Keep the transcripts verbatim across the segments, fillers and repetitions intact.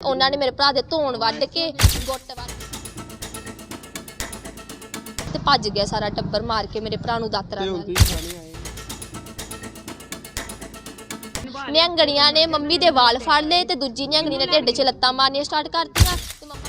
ਉਹਨਾਂ ਨੇ ਮੇਰੇ ਭਰਾ ਦੇ ਧੌਣ ਵੱਢ ਕੇ ਗੁੱਟ ਵੱਢ ਤੇ ਭੱਜ ਗਿਆ ਸਾਰਾ ਟੱਬਰ ਮਾਰ ਕੇ ਮੇਰੇ ਭਰਾ ਨੂੰ ਦਾਤਰਾ ਨਾਲ। ਨਿਹੰਗਣੀਆਂ ਨੇ ਮੰਮੀ ਦੇ ਵਾਲ ਫੜ ਲਏ ਤੇ ਦੂਜੀ ਨਿਹੰਗਣੀ ਨੇ ਢਿੱਡ 'ਚ ਲੱਤਾਂ ਮਾਰਨੀਆਂ ਸਟਾਰਟ ਕਰਤੀਆਂ ਤੇ ਮੰਮਾ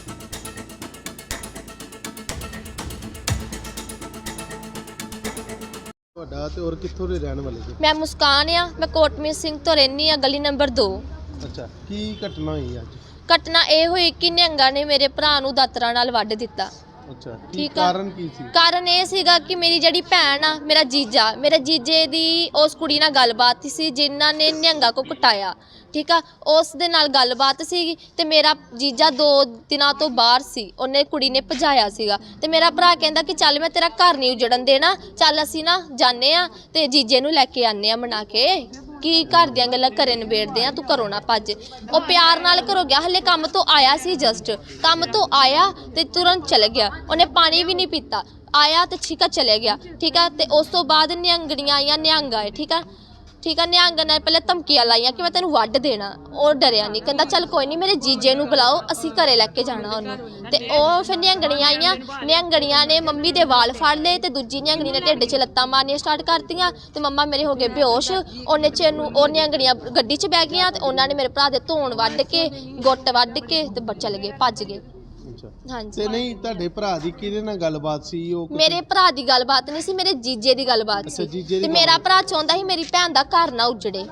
ਤੁਹਾਡਾ ਤੇ ਔਰ ਕਿੱਥੋਂ ਦੇ ਰਹਿਣ ਵਾਲੇ ਜੀ? ਮੈਂ ਮੁਸਕਾਨ ਆ, ਮੈਂ ਕੋਟਮੀਤ ਸਿੰਘ ਤੋਂ ਰਹਿੰਦੀ ਆ, ਗਲੀ ਨੰਬਰ ਦੋ। ਅੱਛਾ, ਕੀ ਘਟਨਾ ਹੋਈ ਅੱਜ? ਘਟਨਾ ਇਹ ਹੋਈ ਕਿ ਨਿਹੰਗਾਂ ਨੇ ਮੇਰੇ ਭਰਾ ਨੂੰ ਦਾਤਰਾ ਨਾਲ ਵੱਢ ਦਿੱਤਾ। ਅੱਛਾ, ਕੀ ਠੀਕ ਆ। ਕਾਰਨ ਕੀ ਸੀ? ਕਾਰਨ ਇਹ ਸੀਗਾ ਕਿ ਮੇਰੀ ਜਿਹੜੀ ਭੈਣ ਆ, ਮੇਰਾ ਜੀਜਾ, ਮੇਰੇ ਜੀਜੇ ਦੀ ਉਸ ਕੁੜੀ ਨਾਲ ਗੱਲਬਾਤ ਸੀ ਜਿਨ੍ਹਾਂ ਨੇ ਨਿਹੰਗਾਂ ਕੋ ਕੁਟਾਇਆ। ਠੀਕ ਆ, ਉਸ ਦੇ ਨਾਲ ਗੱਲਬਾਤ ਸੀਗੀ ਤੇ ਮੇਰਾ ਜੀਜਾ ਦੋ ਦਿਨਾਂ ਤੋਂ ਬਾਹਰ ਸੀ, ਉਹਨੇ ਕੁੜੀ ਨੇ ਭਜਾਇਆ ਸੀਗਾ ਤੇ ਮੇਰਾ ਭਰਾ ਕਹਿੰਦਾ ਕਿ ਚੱਲ ਮੈਂ ਤੇਰਾ ਘਰ ਨਹੀਂ ਉਜੜਨ ਦੇਣਾ, ਚੱਲ ਅਸੀਂ ਨਾ ਜਾਂਦੇ ਆ ਤੇ ਜੀਜੇ ਨੂੰ ਲੈ ਕੇ ਆਨੇ ਆ ਮਨਾ ਕੇ ਕਿ ਘਰ ਦੀਆਂ ਗੱਲਾਂ ਘਰੇ ਨਿਬੇੜਦੇ ਆ, ਤੂੰ ਘਰੋਂ ਨਾ ਭੱਜ। ਉਹ ਪਿਆਰ ਨਾਲ ਘਰੋਂ ਗਿਆ, ਹਲੇ ਕੰਮ ਤੋਂ ਆਇਆ ਸੀ, ਜਸਟ ਕੰਮ ਤੋਂ ਆਇਆ ਤੇ ਤੁਰੰਤ ਚਲੇ ਗਿਆ। ਉਹਨੇ ਪਾਣੀ ਵੀ ਨਹੀਂ ਪੀਤਾ, ਆਇਆ ਤੇ ਠੀਕ ਆ ਚਲੇ ਗਿਆ। ਠੀਕ ਆ, ਤੇ ਉਸ ਤੋਂ ਬਾਅਦ ਨਿਹੰਗਣੀਆਂ ਆਈਆਂ, ਨਿਹੰਗ ਆਏ। ਠੀਕ ਆ ਠੀਕ ਆ ਨਿਹੰਗ ਨੇ ਪਹਿਲੇ ਧਮਕੀਆਂ ਲਾਈਆਂ ਕਿ ਮੈਂ ਤੈਨੂੰ ਵੱਢ ਦੇਣਾ। ਉਹ ਡਰਿਆ ਨਹੀਂ, ਕਹਿੰਦਾ ਚੱਲ ਕੋਈ ਨਹੀਂ, ਮੇਰੇ ਜੀਜੇ ਨੂੰ ਬੁਲਾਓ, ਅਸੀਂ ਘਰੇ ਲੈ ਕੇ ਜਾਣਾ ਉਹਨੂੰ। ਤੇ ਉਹ ਫਿਰ ਨਿਹੰਗਣੀਆਂ ਆਈਆਂ, ਨਿਹੰਗਣੀਆਂ ਨੇ ਮੰਮੀ ਦੇ ਵਾਲ ਫੜ ਲਏ ਤੇ ਦੂਜੀ ਨਿਹੰਗਣੀ ਨੇ ਢਿੱਡ 'ਚ ਲੱਤਾਂ ਮਾਰਨੀਆਂ ਸਟਾਰਟ ਕਰਤੀਆਂ ਤੇ ਮੰਮਾ ਮੇਰੇ ਹੋ ਗਏ ਬੇਹੋਸ਼। ਉਹਨੇ 'ਚ ਨੂੰ ਉਹ ਨਿਹੰਗਣੀਆਂ ਗੱਡੀ 'ਚ ਬਹਿ ਗਈਆਂ ਤੇ ਉਹਨਾਂ ਨੇ ਮੇਰੇ ਭਰਾ ਦੇ ਧੌਣ ਵੱਢ ਕੇ ਗੁੱਟ ਵੱਢ ਕੇ ਤੇ ਚਲੇ ਗਏ, ਭੱਜ ਗਏ। ਹਾਂਜੀ। ਤੇ ਨਹੀਂ, ਤੁਹਾਡੇ ਭਰਾ ਦੀ ਕਿਹਦੇ ਨਾਲ ਗੱਲਬਾਤ ਸੀ? ਉਹ ਮੇਰੇ ਭਰਾ ਦੀ ਗੱਲਬਾਤ ਨਹੀਂ ਸੀ, ਮੇਰੇ ਜੀਜੇ ਦੀ ਗੱਲਬਾਤ ਸੀ ਤੇ ਮੇਰਾ ਭਰਾ ਚਾਹੁੰਦਾ ਸੀ ਮੇਰੀ ਭੈਣ ਦਾ ਘਰ ਨਾ ਉਜੜੇ।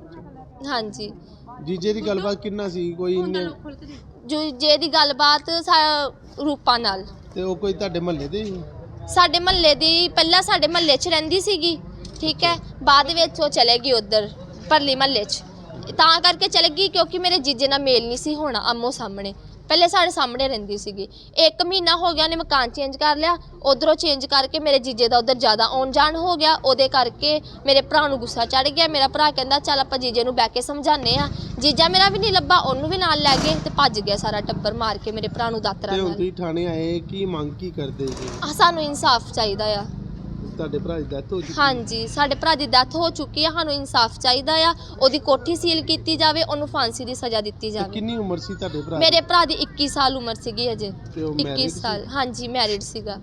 ਹਾਂਜੀ। ਜੀਜੇ ਦੀ ਗੱਲਬਾਤ ਕਿੰਨਾ ਸੀ? ਕੋਈ ਜੀਜੇ ਦੀ ਗੱਲਬਾਤ ਰੂਪਾ ਨਾਲ। ਤੇ ਉਹ ਕੋਈ ਤੁਹਾਡੇ ਮਹੱਲੇ ਦੇ ਸੀ? ਸਾਡੇ ਮਹੱਲੇ ਦੀ, ਪਹਿਲਾਂ ਸਾਡੇ ਮਹੱਲੇ 'ਚ ਰਹਿੰਦੀ ਸੀਗੀ। ਠੀਕ ਹੈ, ਬਾਅਦ ਵਿੱਚ ਉਹ ਚਲੇ ਗਈ ਉੱਧਰ ਪਰਲੀ ਮਹੱਲੇ 'ਚ, ਤਾਂ ਕਰਕੇ ਚਲੇ ਗਈ ਕਿਉਂਕਿ ਮੇਰੇ ਜੀਜੇ ਨਾਲ ਮੇਲ ਨਹੀਂ ਸੀ ਹੋਣਾ ਆਮੋ ਸਾਹਮਣੇ। ਪਹਿਲੇ ਸਾਡੇ ਸਾਹਮਣੇ ਰਹਿੰਦੀ ਸੀਗੀ, ਇੱਕ ਮਹੀਨਾ ਹੋ ਗਿਆ ਉਹਨੇ ਮਕਾਨ ਚੇਂਜ ਕਰ ਲਿਆ, ਉਧਰੋਂ ਚੇਂਜ ਕਰਕੇ ਮੇਰੇ ਜੀਜੇ ਦਾ ਉਧਰ ਜ਼ਿਆਦਾ ਆਉਣ ਜਾਣ ਹੋ ਗਿਆ। ਉਹਦੇ ਕਰਕੇ ਮੇਰੇ ਭਰਾ ਨੂੰ ਗੁੱਸਾ ਚੜ ਗਿਆ। ਮੇਰਾ ਭਰਾ ਕਹਿੰਦਾ ਚੱਲ ਆਪਾਂ ਜੀਜੇ ਨੂੰ ਬਹਿ ਕੇ ਸਮਝਾਉਂਦੇ ਆ। ਜੀਜਾ ਮੇਰਾ ਵੀ ਨਹੀਂ ਲੱਭਾ, ਉਹਨੂੰ ਵੀ ਨਾਲ ਲੈ ਗਏ ਤੇ ਭੱਜ ਗਿਆ ਸਾਰਾ ਟੱਬਰ ਮਾਰ ਕੇ ਮੇਰੇ ਭਰਾ ਨੂੰ ਦਾਤਰਾ ਨਾਲ। ਤੇ ਹੁਣ ਤੁਸੀਂ ਥਾਣੇ ਆਏ, ਕੀ ਮੰਗ ਕੀ ਕਰਦੇ ਜੀ? ਸਾਨੂੰ ਇਨਸਾਫ ਚਾਹੀਦਾ ਆ। ਤੁਹਾਡੇ ਭਰਾ ਦੀ ਡੈਥ ਹੋ ਚੁੱਕੀ? ਹਾਂਜੀ, ਸਾਡੇ ਭਰਾ ਦੀ ਡੈਥ ਹੋ ਚੁੱਕੀ ਆ, ਸਾਨੂੰ ਇਨਸਾਫ ਚਾਹੀਦਾ ਆ। ਉਹਦੀ ਕੋਠੀ ਸੀਲ ਕੀਤੀ ਜਾਵੇ, ਉਹਨੂੰ ਫਾਂਸੀ ਦੀ ਸਜ਼ਾ ਦਿੱਤੀ ਜਾਵੇ। ਕਿੰਨੀ ਉਮਰ ਸੀ ਤੁਹਾਡੇ ਭਰਾ? ਮੇਰੇ ਭਰਾ ਦੀ ਇੱਕੀ ਸਾਲ ਉਮਰ ਸੀਗੀ ਅਜੇ। ਇੱਕੀ ਸਾਲ, ਹਾਂਜੀ, ਮੈਰਿਡ ਸੀਗਾ।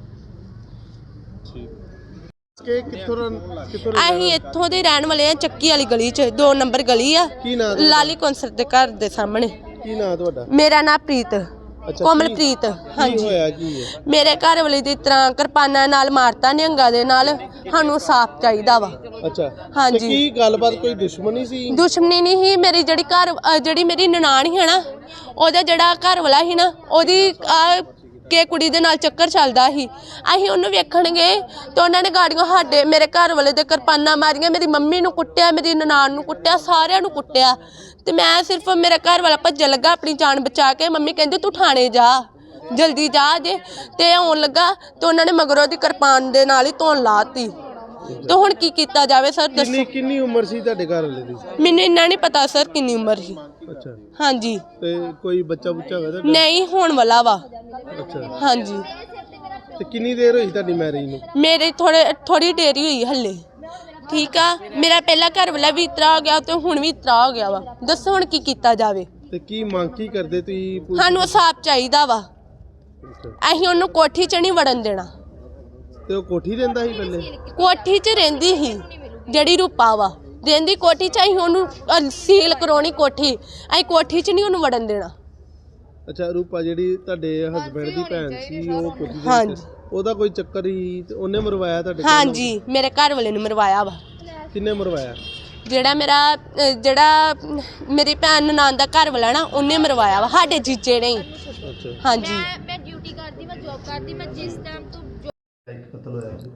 ਕਿ ਕਿੱਥੋਂ ਕਿੱਥੋਂ ਅਸੀਂ ਇੱਥੋਂ ਦੇ ਰਹਿਣ ਵਾਲੇ ਆ, ਚੱਕੀ ਵਾਲੀ ਗਲੀ 'ਚ, ਦੋ ਨੰਬਰ ਗਲੀ ਆ, ਕੀ ਨਾਮ? ਲਾਲੀ ਕੌਂਸਰ ਦੇ ਘਰ ਦੇ ਸਾਹਮਣੇ। ਕੀ ਨਾਮ ਤੁਹਾਡਾ? ਮੇਰਾ ਨਾਮ ਪ੍ਰੀਤ, ਕੋਮਲਪ੍ਰੀਤ। ਹਾਂਜੀ, ਹੋਇਆ ਕੀ ਹੈ? ਮੇਰੇ ਘਰ ਵਾਲੇ ਦੀ ਤਰ੍ਹਾਂ ਕਿਰਪਾਨਾਂ ਨਾਲ ਮਾਰਤਾ ਨਿਹੰਗਾਂ ਦੇ ਨਾਲ, ਸਾਨੂੰ ਸਾਫ਼ ਚਾਹੀਦਾ ਵਾ। ਅੱਛਾ, ਹਾਂਜੀ। ਕੀ ਗੱਲਬਾਤ, ਕੋਈ ਦੁਸ਼ਮਣੀ ਸੀ? ਦੁਸ਼ਮਣੀ ਨਹੀਂ ਸੀ। ਮੇਰੀ ਜਿਹੜੀ ਘਰ ਜਿਹੜੀ ਮੇਰੀ ਨਨਾਣ ਸੀ ਨਾ, ਉਹਦਾ ਜਿਹੜਾ ਘਰ ਵਾਲਾ ਸੀ ਨਾ, ਉਹਦੀ ਕਿ ਕੁੜੀ ਦੇ ਨਾਲ ਚੱਕਰ ਚੱਲਦਾ ਸੀ। ਅਸੀਂ ਉਹਨੂੰ ਵੇਖਣ ਗਏ ਤਾਂ ਉਹਨਾਂ ਨੇ ਗਾੜੀਆਂ ਸਾਡੇ ਮੇਰੇ ਘਰ ਵਾਲੇ ਦੇ ਕਿਰਪਾਨਾਂ ਮਾਰੀਆਂ, ਮੇਰੀ ਮੰਮੀ ਨੂੰ ਕੁੱਟਿਆ, ਮੇਰੀ ਨਨਾਣ ਨੂੰ ਕੁੱਟਿਆ, ਸਾਰਿਆਂ ਨੂੰ ਕੁੱਟਿਆ। ਤੇ ਮੈਂ ਸਿਰਫ ਮੇਰਾ ਘਰ ਵਾਲਾ ਭੱਜਣ ਲੱਗਾ ਆਪਣੀ ਜਾਨ ਬਚਾ ਕੇ। ਮੰਮੀ ਕਹਿੰਦੀ ਤੂੰ ਥਾਣੇ ਜਾ, ਜਲਦੀ ਜਾ ਜੇ। ਤੇ ਆਉਣ ਲੱਗਾ ਤੇ ਉਹਨਾਂ ਨੇ ਮਗਰੋਂ ਦੀ ਕਿਰਪਾਨ ਦੇ ਨਾਲ ਹੀ ਧੌਣ ਲਾਤੀ। ਤੇ ਹੁਣ ਕੀ ਕੀਤਾ ਜਾਵੇ ਸਰ, ਦੱਸੋ। ਕਿੰਨੀ ਕਿੰਨੀ ਉਮਰ ਸੀ ਤੁਹਾਡੇ ਘਰ ਵਾਲੇ ਦੀ? ਮੈਨੂੰ ਇੰਨਾ ਨਹੀਂ ਪਤਾ ਸਰ ਕਿੰਨੀ ਉਮਰ ਸੀ। ਅੱਛਾ। ਹਾਂਜੀ। ਤੇ ਕੋਈ ਬੱਚਾ ਬੁੱਚਾ ਹੋਇਆ ਤੁਹਾਡਾ? ਨਹੀਂ, ਹੋਣ ਵਾਲਾ ਵਾ। ਅੱਛਾ। ਹਾਂਜੀ। ਤੇ ਕਿੰਨੀ ਦੇਰ ਹੋਈ ਤੁਹਾਡੀ ਮੈਰਿਜ ਨੂੰ? ਮੇਰੇ ਥੋੜੇ ਥੋੜੀ ਦੇਰੀ ਹੋਈ ਹੱਲੇ। ਠੀਕ ਆ, ਮੇਰਾ ਪਹਿਲਾ ਘਰ ਵਾਲਾ ਵੀ ਇਤਰਾ ਹੋ ਗਿਆ ਤੇ ਹੁਣ ਵੀ ਇਤਰਾ ਹੋ ਗਿਆ ਵਾ। ਦੱਸੋ ਹੁਣ ਕੀ ਕੀਤਾ ਜਾਵੇ? ਤੇ ਕੀ ਮੰਗ ਕੀ ਕਰਦੇ ਤੁਸੀਂ? ਸਾਨੂੰ ਸਾਫ ਚਾਹੀਦਾ ਵਾ। ਅਸੀਂ ਉਹਨੂੰ ਕੋਠੀ 'ਚ ਨਹੀਂ ਵੜਨ ਦੇਣਾ। ਤੇ ਉਹ ਕੋਠੀ ਰਹਿੰਦਾ ਸੀ ਪਹਿਲੇ? ਕੋਠੀ 'ਚ ਰਹਿੰਦੀ ਸੀ ਜਿਹੜੀ ਰੂਪਾ ਵਾ, ਰਹਿੰਦੀ ਕੋਠੀ 'ਚ। ਅਸੀਂ ਉਹਨੂੰ ਸੀਲ ਕਰਾਉਣੀ ਕੋਠੀ, ਅਸੀਂ ਕੋਠੀ 'ਚ ਨਹੀਂ ਉਹਨੂੰ ਵੜਨ ਦੇਣਾ। ਅੱਛਾ, ਰੂਪਾ ਜਿਹੜੀ ਤੁਹਾਡੇ ਹਸਬੈਂਡ ਦੀ ਭੈਣ ਸੀ, ਉਹ ਕੋਠੀ ਦੇ ਹਾਂਜੀ। ਵਿੱਚ, ਉਹਦਾ ਕੋਈ ਚੱਕਰ ਹੀ ਤੇ ਉਹਨੇ ਮਰਵਾਇਆ ਤੁਹਾਡੇ? ਹਾਂਜੀ, ਮੇਰੇ ਘਰ ਵਾਲੇ ਨੂੰ ਮਰਵਾਇਆ ਵਾ। ਕਿੰਨੇ ਮਰਵਾਇਆ? ਜਿਹੜਾ ਮੇਰਾ ਜਿਹੜਾ ਮੇਰੀ ਭੈਣ ਨਨਾਣ ਦਾ ਘਰ ਵਾਲਾ ਨਾ, ਉਹਨੇ ਮਰਵਾਇਆ ਵਾ, ਸਾਡੇ ਜੀਜੇ ਨੇ। ਅੱਛਾ। ਹਾਂਜੀ। ਮੈਂ ਡਿਊਟੀ ਕਰਦੀ, ਮੈਂ ਜੌਬ ਕਰਦੀ, ਮੈਂ ਜਿਸ ਟਾਈਮ ਤੋਂ ਕਤਲ ਹੋਇਆ ਜੀ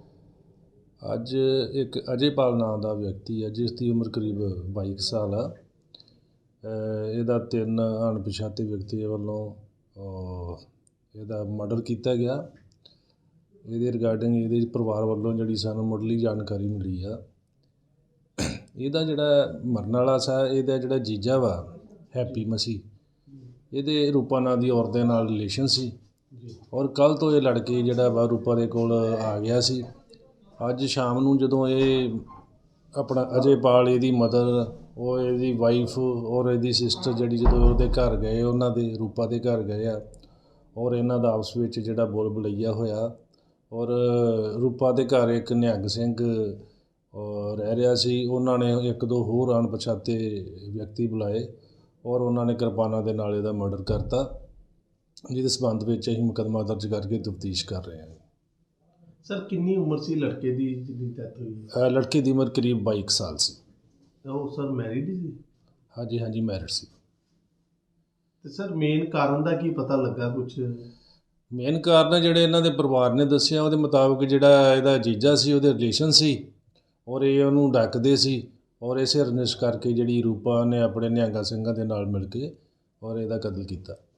ਅੱਜ ਇੱਕ ਅਜੇਪਾਲ ਨਾਮ ਦਾ ਵਿਅਕਤੀ ਹੈ ਜਿਸ ਦੀ ਉਮਰ ਕਰੀਬ ਬਾਈ ਸਾਲ ਆ। ਇਹਦਾ ਤਿੰਨ ਅਣਪਛਾਤੇ ਵਿਅਕਤੀਆਂ ਵੱਲੋਂ ਇਹਦਾ ਮਰਡਰ ਕੀਤਾ ਗਿਆ। ਇਹਦੇ ਰਿਗਾਰਡਿੰਗ ਇਹਦੇ ਪਰਿਵਾਰ ਵੱਲੋਂ ਜਿਹੜੀ ਸਾਨੂੰ ਮੁੱਢਲੀ ਜਾਣਕਾਰੀ ਮਿਲੀ ਆ, ਇਹਦਾ ਜਿਹੜਾ ਮਰਨ ਵਾਲਾ ਸਾ, ਇਹਦਾ ਜਿਹੜਾ ਜੀਜਾ ਵਾ ਹੈਪੀ ਮਸੀਹ, ਇਹਦੇ ਰੂਪਾ ਨਾਂ ਦੀ ਔਰਤ ਦੇ ਨਾਲ ਰਿਲੇਸ਼ਨ ਸੀ ਔਰ ਕੱਲ੍ਹ ਤੋਂ ਇਹ ਲੜਕੇ ਜਿਹੜਾ ਵਾ ਰੂਪਾ ਦੇ ਕੋਲ ਆ ਗਿਆ ਸੀ। ਅੱਜ ਸ਼ਾਮ ਨੂੰ ਜਦੋਂ ਇਹ ਆਪਣਾ ਅਜੇਪਾਲ ਇਹਦੀ ਮਦਰ ਉਹ ਇਹਦੀ ਵਾਈਫ ਔਰ ਇਹਦੀ ਸਿਸਟਰ ਜਿਹੜੀ ਜਦੋਂ ਉਹਦੇ ਘਰ ਗਏ, ਉਹਨਾਂ ਦੇ ਰੂਪਾ ਦੇ ਘਰ ਗਏ ਆ, ਔਰ ਇਹਨਾਂ ਦਾ ਆਪਸ ਵਿੱਚ ਜਿਹੜਾ ਬੋਲ ਬਲਈਆ ਹੋਇਆ। ਔਰ ਰੂਪਾ ਦੇ ਘਰ ਇੱਕ ਨਿਹੰਗ ਸਿੰਘ ਅ, ਰਹਿ ਰਿਹਾ ਸੀ। ਉਹਨਾਂ ਨੇ ਇੱਕ ਦੋ ਹੋਰ ਅਣਪਛਾਤੇ ਵਿਅਕਤੀ ਬੁਲਾਏ ਔਰ ਉਹਨਾਂ ਨੇ ਕਿਰਪਾਨਾਂ ਦੇ ਨਾਲ ਇਹਦਾ ਮਰਡਰ ਕਰਤਾ, ਜਿਹਦੇ ਸਬੰਧ ਵਿੱਚ ਅਸੀਂ ਮੁਕੱਦਮਾ ਦਰਜ ਕਰਕੇ ਤਫਤੀਸ਼ ਕਰ ਰਹੇ ਹਾਂ। ਸਰ ਕਿੰਨੀ ਉਮਰ ਸੀ ਲੜਕੇ ਦੀ ਜਿਹਦੀ ਡੈਥ ਹੋਈ? ਅ, ਲੜਕੇ ਦੀ ਉਮਰ ਕਰੀਬ ਬਾਈ ਕੁ ਸਾਲ ਸੀ। ਉਹ ਸਰ ਮੈਰਿਡ ਸੀ? ਹਾਂਜੀ ਹਾਂਜੀ ਮੈਰਿਡ ਸੀ। ਤੇ ਸਰ ਮੇਨ ਕਾਰਨ ਦਾ ਕੀ ਪਤਾ ਲੱਗਾ ਕੁਝ? ਮੇਨ ਕਾਰਨ ਜਿਹੜੇ ਇਹਨਾਂ ਦੇ ਪਰਿਵਾਰ ਨੇ ਦੱਸਿਆ ਉਹਦੇ ਮੁਤਾਬਕ ਜਿਹੜਾ ਇਹਦਾ ਜੀਜਾ ਸੀ ਉਹਦੇ ਰਿਲੇਸ਼ਨ ਸੀ ਔਰ ਇਹ ਉਹਨੂੰ ਡੱਕਦੇ ਸੀ ਔਰ ਇਸੇ ਰੰਜਿਸ਼ ਕਰਕੇ ਜਿਹੜੀ ਰੂਪਾ ਨੇ ਆਪਣੇ ਨਿਹੰਗਾ ਸਿੰਘਾਂ ਦੇ ਨਾਲ ਮਿਲ ਕੇ ਔਰ ਇਹਦਾ ਕਤਲ ਕੀਤਾ।